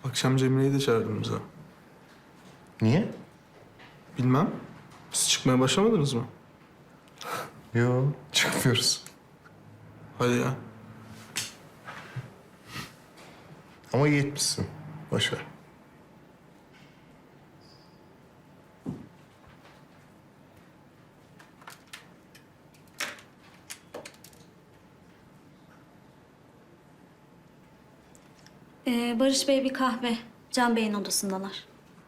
Akşam Cemile'yi de çağırdım bize. Niye? Bilmem. Siz çıkmaya başlamadınız mı? Yo, çıkmıyoruz. Hadi ya. Ama iyi etmişsin. Boş ver. Barış Bey bir kahve. Can Bey'in odasındalar.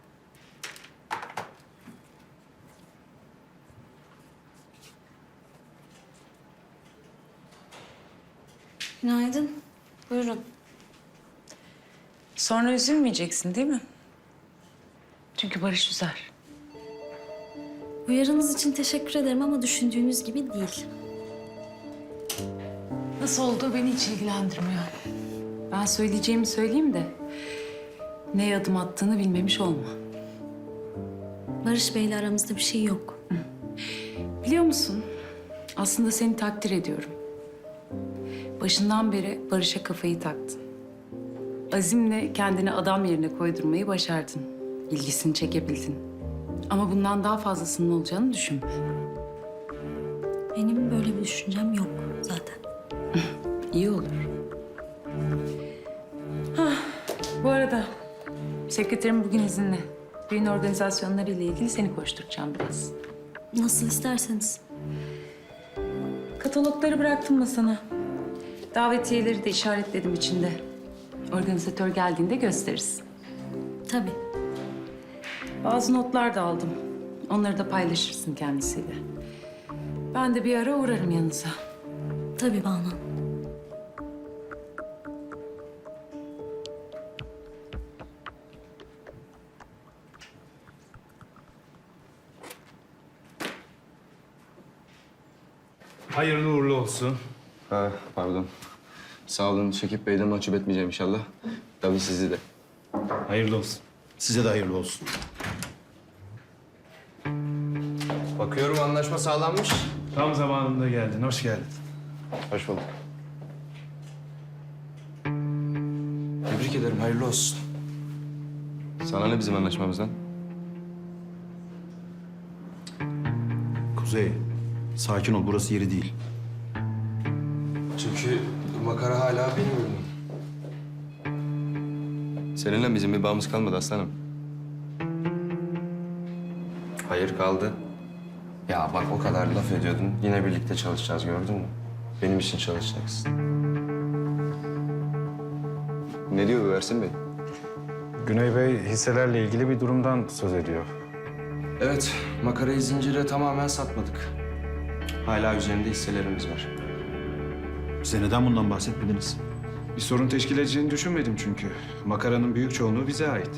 Günaydın. Buyurun. Sonra üzülmeyeceksin değil mi? Çünkü Barış üzer. Uyarınız için teşekkür ederim ama düşündüğünüz gibi değil. Nasıl olduğu beni hiç ilgilendirmiyor. Ben söyleyeceğimi söyleyeyim de ne adım attığını bilmemiş olma. Barış Bey'le aramızda bir şey yok. Biliyor musun? Aslında seni takdir ediyorum. Başından beri Barış'a kafayı taktın. Azimle kendini adam yerine koydurmayı başardın. İlgisini çekebildin. Ama bundan daha fazlasının olacağını düşünme. Benim böyle bir düşüncem yok zaten. İyi olur. Bu arada sekreterim bugün izinli. Düğün organizasyonları ile ilgili seni koşturacağım biraz. Nasıl isterseniz. Katalogları bıraktım masana. Davetiyeleri de işaretledim içinde. Organizatör geldiğinde gösteririz. Tabii. Bazı notlar da aldım. Onları da paylaşırsın kendisiyle. Ben de bir ara uğrarım yanınıza. Tabii Banu. Hayırlı uğurlu olsun. Ha, pardon. Sağ olun Şekip Bey'den mahcup etmeyeceğim inşallah. Tabii sizi de. Hayırlı olsun. Size de hayırlı olsun. Bakıyorum anlaşma sağlanmış. Tam zamanında geldin. Hoş geldin. Hoş bulduk. Tebrik ederim, hayırlı olsun. Sana ne bizim anlaşmamızdan? Kuzey, sakin ol. Burası yeri değil. Çünkü makara hala benim ürünüm. Seninle bizim bir bağımız kalmadı aslanım. Hayır kaldı. Ya bak o kadar laf ediyordun. Yine birlikte çalışacağız gördün mü? Benim için çalışacaksın. Ne diyor bu Ersin Bey? Güney Bey hisselerle ilgili bir durumdan söz ediyor. Evet, makarayı zincire tamamen satmadık. Hala üzerinde hisselerimiz var. Bize neden bundan bahsetmediniz? Bir sorun teşkil edeceğini düşünmedim çünkü. Makaranın büyük çoğunluğu bize ait.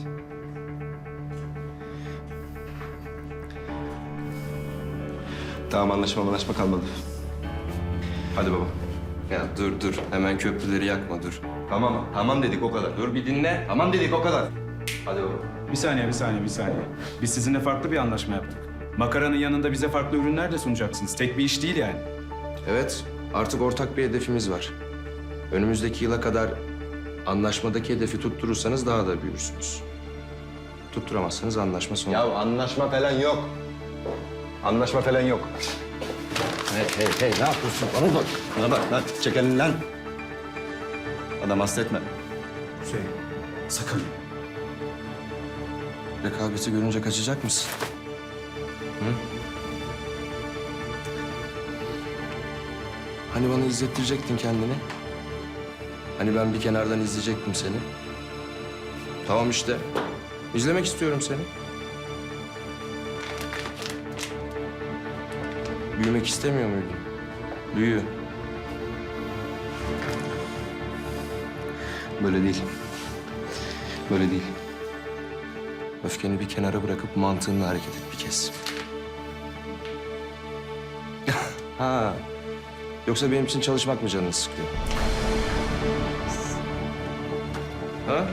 Tamam anlaşma kalmadı. Hadi baba. Ya dur. Hemen köprüleri yakma dur. Tamam dedik o kadar. Dur bir dinle. Tamam dedik o kadar. Hadi baba. Bir saniye. Biz sizinle farklı bir anlaşma yaptık. Makaranın yanında bize farklı ürünler de sunacaksınız. Tek bir iş değil yani. Evet, artık ortak bir hedefimiz var. Önümüzdeki yıla kadar anlaşmadaki hedefi tutturursanız daha da büyürsünüz. Tutturamazsanız anlaşma sonu. Ya anlaşma falan yok. Anlaşma falan yok. Hey, ne yapıyorsun? Bana bak lan. Çek elini lan. Adam hasta etme. Kuzey, sakın. Rekabeti görünce kaçacak mısın? Hı? Hani bana izlettirecektin kendini? Hani ben bir kenardan izleyecektim seni? Tamam işte. İzlemek istiyorum seni. Büyümek istemiyor muydun? Büyü. Böyle değil. Böyle değil. Öfkeni bir kenara bırakıp mantığınla hareket et bir kez. Ha. Yoksa benim için çalışmak mı canını sıkıyor? Ha?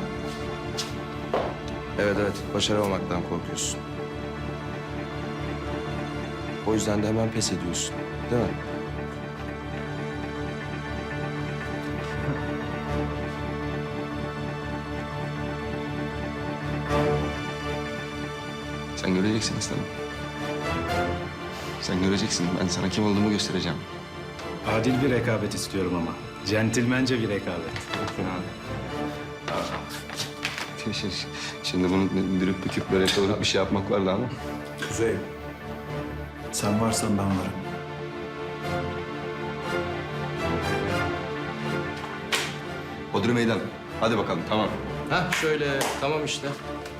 Evet, başaramamaktan korkuyorsun. O yüzden de hemen pes ediyorsun, değil mi? Sen göreceksin aslanım. Sen göreceksin. Ben sana kim olduğumu göstereceğim. Adil bir rekabet istiyorum ama. Centilmence bir rekabet. Şimdi bunu dürüp büküp böyle kıvırıp bir şey yapmak vardı ama. Kuzey, sen varsan ben varım. Bodrum meydan. Hadi bakalım, tamam. Heh şöyle tamam işte.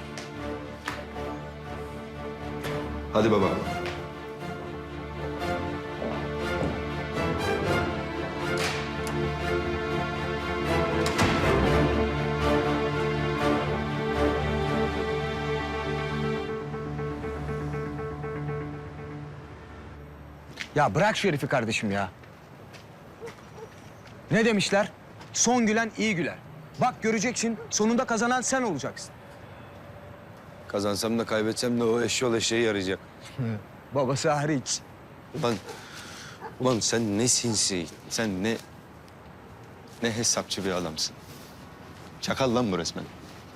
Hadi baba. Ya bırak şu herifi kardeşim ya. Ne demişler? Son gülen iyi güler. Bak göreceksin sonunda kazanan sen olacaksın. Kazansam da kaybetsem de o eşyol eşeğe yarayacak. Babası hariç. Ulan sen ne sinsi, sen ne hesapçı bir adamsın. Çakal lan bu resmen.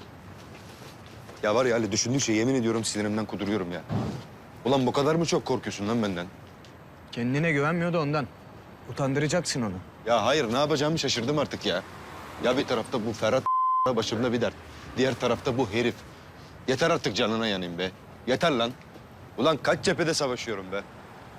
Ya var ya Ali düşündükçe yemin ediyorum sinirimden kuduruyorum ya. Ulan bu kadar mı çok korkuyorsun lan benden? Kendine güvenmiyordu ondan. Utandıracaksın onu. Ya hayır ne yapacağımı şaşırdım artık ya. Ya bir tarafta bu Ferhat başımda bir dert. Diğer tarafta bu herif. Yeter artık canına yanayım be. Yeter lan. Ulan kaç cephede savaşıyorum be.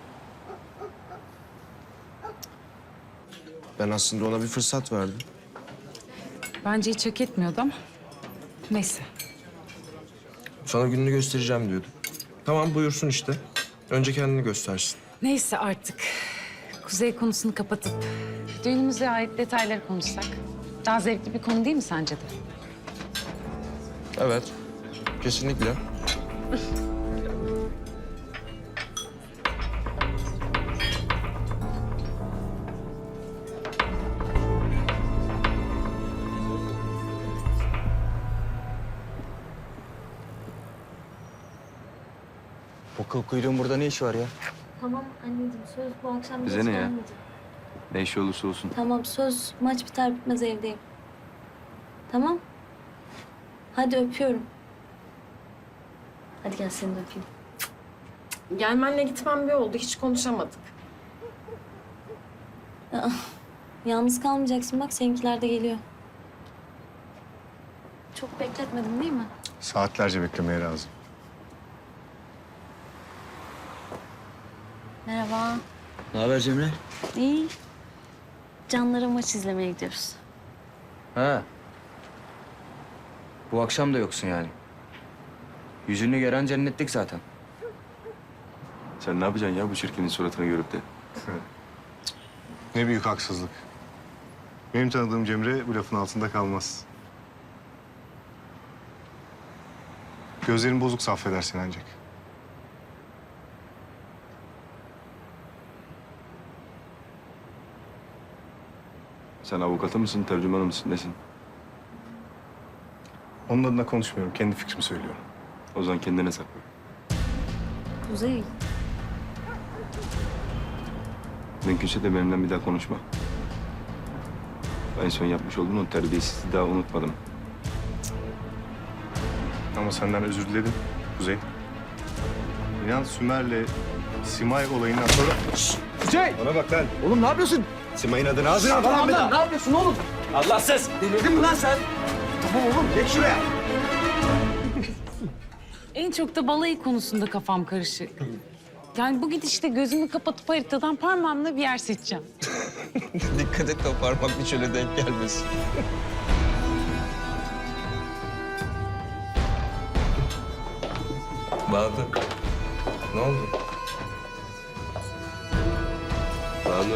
Ben aslında ona bir fırsat verdim. Bence hiç hak etmiyordu ama neyse. Sana gününü göstereceğim diyordu. Tamam buyursun işte. Önce kendini göstersin. Neyse artık. Kuzey konusunu kapatıp düğünümüze ait detayları konuşsak. Daha zevkli bir konu değil mi sence de? Evet. Kesinlikle. Bu kıl kuyruğun burada ne işi var ya? Tamam anneciğim söz bu akşam Bize geç ne ya? gelmeyeceğim. Ne işi olursa olsun. Tamam söz maç biter bitmez evdeyim. Tamam. Hadi öpüyorum. Hadi gel seni de öpeyim. Gelmenle gitmem bir oldu. Hiç konuşamadık. Yalnız kalmayacaksın bak seninkiler de geliyor. Çok bekletmedin değil mi? Saatlerce beklemeye razı. Merhaba. Ne haber Cemre? İyi. Canlara maç izlemeye gidiyoruz. Ha. Bu akşam da yoksun yani. Yüzünü gören cennetlik zaten. Sen ne yapacaksın ya bu çirkinin suratını görüp de? Ne büyük haksızlık. Benim tanıdığım Cemre bu lafın altında kalmaz. Gözlerin bozuksa affedersin ancak. Sen avukatı mısın, tercümanı mısın, nesin? Onun adına konuşmuyorum. Kendi fikrimi söylüyorum. O zaman kendine sakla. Kuzey. Mümkünse de benimle bir daha konuşma. En son yapmış olduğun o terbiyesizliği daha unutmadım. Ama senden özür diledim Kuzey. İnan Sümer'le Simay olayından sonra... Kuzey! Bana bak lan. Oğlum ne yapıyorsun? Simay'ın adını ağzına al. Allah'ım ne yapıyorsun oğlum? Allahsız! Delirdin mi lan sen? Tamam oğlum geç şuraya. En çok da balayı konusunda kafam karışık. Yani bu gidişte gözümü kapatıp haritadan parmağımla bir yer seçeceğim. Dikkat et de o parmak bir şöyle denk gelmesin. Bahadır. Ne oldu? Banu.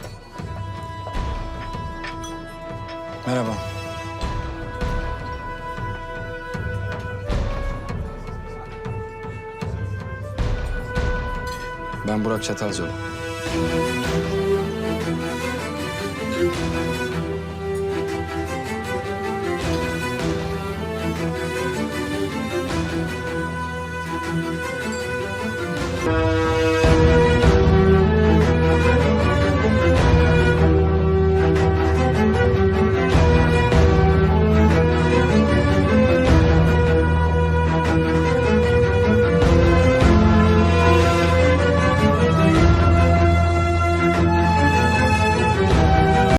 Merhaba. Ben Burak Çatalcalı.